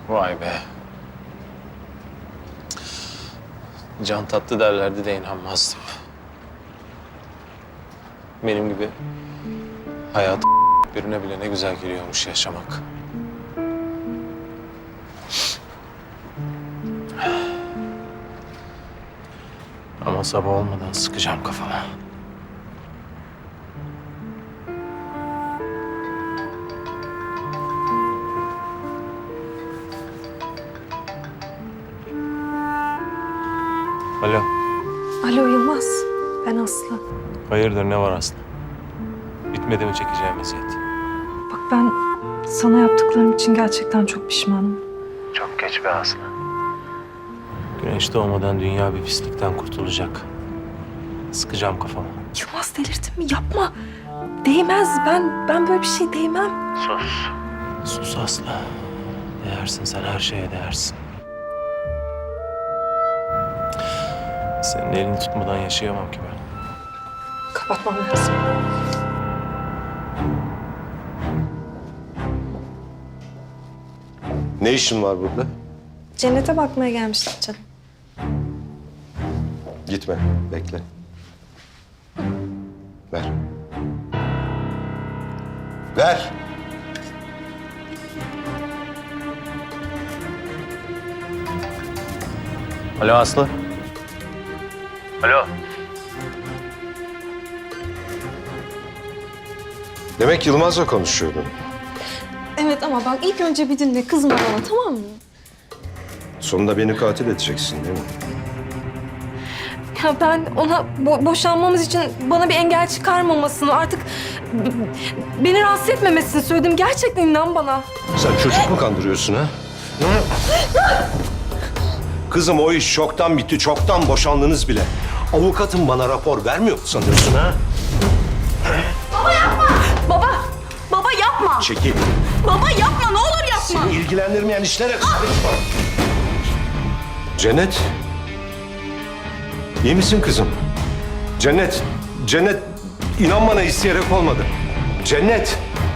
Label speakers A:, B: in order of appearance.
A: Vay be. Can tatlı derlerdi de inanmazdım. Benim gibi hayat birine bile ne güzel geliyormuş yaşamak. Ama sabah olmadan sıkacağım kafama. Alo.
B: Alo Yılmaz, ben Aslı.
A: Hayırdır, ne var Aslı? Bitmedi mi çekeceğim eziyet?
B: Bak ben sana yaptıklarım için gerçekten çok pişmanım.
A: Çok geç be Aslı. Güneş doğmadan dünya bir pislikten kurtulacak. Sıkacağım kafama.
B: Yılmaz delirdin mi? Yapma. Değmez. Ben böyle bir şey değmem.
A: Sus. Sus Aslı. Değersin, sen her şeye değersin. Senin elini tutmadan yaşayamam ki ben.
B: Kapatmam lazım.
C: Ne işin var burada?
B: Cennete bakmaya gelmiştik canım.
C: Gitme, bekle. Ver. Ver.
A: Alo Aslı. Alo.
C: Demek Yılmaz'la konuşuyordun.
B: Evet ama bak ilk önce bir dinle. Kızma bana, tamam mı?
C: Sonunda beni katil edeceksin değil mi?
B: Ya ben ona boşanmamız için bana bir engel çıkarmamasını, artık beni rahatsız etmemesini söyledim. Gerçekten inan bana.
C: Sen çocuk mu kandırıyorsun ha? Kızım o iş çoktan bitti, çoktan boşandınız bile. Avukatım bana rapor vermiyor mu sanıyorsun ha?
B: Baba yapma.
C: Çekil.
B: Baba yapma, ne olur yapma.
C: Seni ilgilendirmeyen işlere karışma. Cennet. İyi misin kızım? Cennet. Cennet. İnan bana isteyerek olmadı. Cennet.